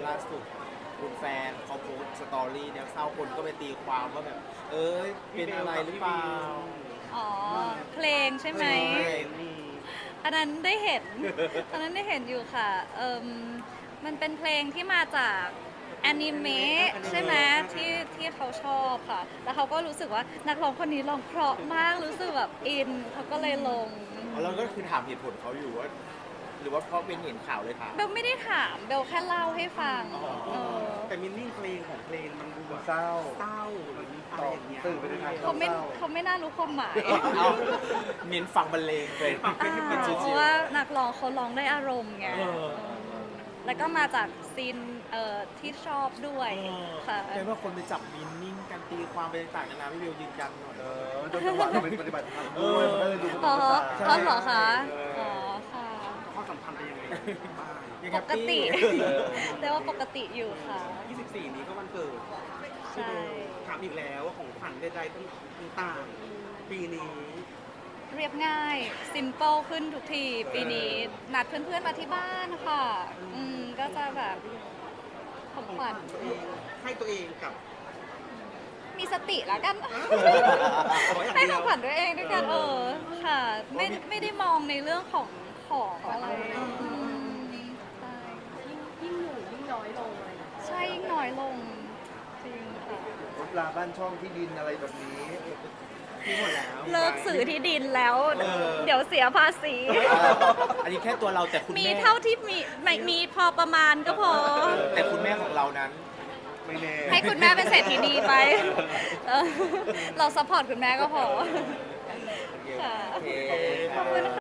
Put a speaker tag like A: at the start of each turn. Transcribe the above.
A: ล่าสุดคุณแฟนเขาโพสต์สตอรี่เนี่ยเศร้าคนก็ไปตีความว่าแบบ เป็นอะไรหรือเปล่า
B: อ๋อเพลงใช่ไหม
A: เพลง
B: อันนั้นได้เห็น อันนั้นได้เห็นอยู่ค่ะมันเป็นเพลงที่มาจากแอนิเมะใช่ไหมที่เขาชอบค่ะ แล้วเขาก็รู้สึกว่านักร้องคนนี้ร้องเพราะมากรู้สึกแบบอินเขาก็เลยลง
A: แล้วก็คือถามเหตุผลเขาอยู่ว่า หรือว่าเพราะเป็นเห็นข่าวเลยถาม
B: เบลไม่ได้ถามเบลแค่เล่าให้ฟัง
C: แต่มินนิ่งเพลงของเพลงมันดูแบบ
D: เศร้า
C: เศร้าหรืออะไรอย่างเงี้ย
D: ตื่นไปในทาง
B: เขาไม่น่ารู้ความหมาย
A: เอาเน้นฟังบรรเลงเป็น
B: เพราะว่านักร้องเขาร้องได้อารมณ์ไงแล้วก็มาจากซีนที่ชอบด้วยค่ะ
A: เป็นว่าคนไปจับมินนิ่งกันตีความไปต่างๆนานาพี่เบลยืนยันหน่อย
D: โดยจังหวะเราเป็นปฏิบัติธรรมด้วยมันก็เลยดูเป็น
B: อ๋อ
D: ภาษา
B: เหรอคะอ๋อค่ะ
C: ความสัมพันธ์เป็นยังไงบ้าง
A: ยัง
B: ป
A: แฮป
B: ก
A: ปี้
B: ติ แต่ว่าปกติอยู่ค่ะ
C: 24 นี้ก็วันเกิด
B: ใช่
C: ถามอีกแล้วว่าของขวัญใดๆต่างๆปีนี้
B: เรียบง่าย ซิมเ l ิลขึ้นทุกที ปีนี้ นัดเพื่อนๆมาที่บ้านค่ะก็จะแบบของขวัญ
C: ตัวเองให้ตัวเองกับ
B: มีสติแล้วกัน
C: ขออย่าง
B: ให้
C: เดี
B: ข
C: ย
B: อง
C: ว
B: ขวัญตัวเองด้วยกันค่ะ ไม่ได้มองในเรื่องของอะไรใช่
E: ยิ่งอยู่ยิ่งน้อยลงอะไรอย่างเงี้ย
B: ใช่ยิ่งน้อยลง จริงค่ะ
D: รถลาบ้านช่องที่ดินอะไรแบบนี้
C: มีหมดแล้ว
B: เลิกสื่อที่ดินแล้ว เดี๋ยวเสียภาษี
A: อันนี้แค่ตัวเราแต่คุณ
B: มี
A: แม่
B: เท่าที่มีพอประมาณก็พอ
A: แต่คุณแม่ของเรานั้น
D: ไม่แน่
B: ให้คุณแม่เป็นเศรษฐีนีไปเราซัพพอร์ตคุณแม่ก็พอ ค่ะ
A: โอเค
B: ขอบคุณค่ะ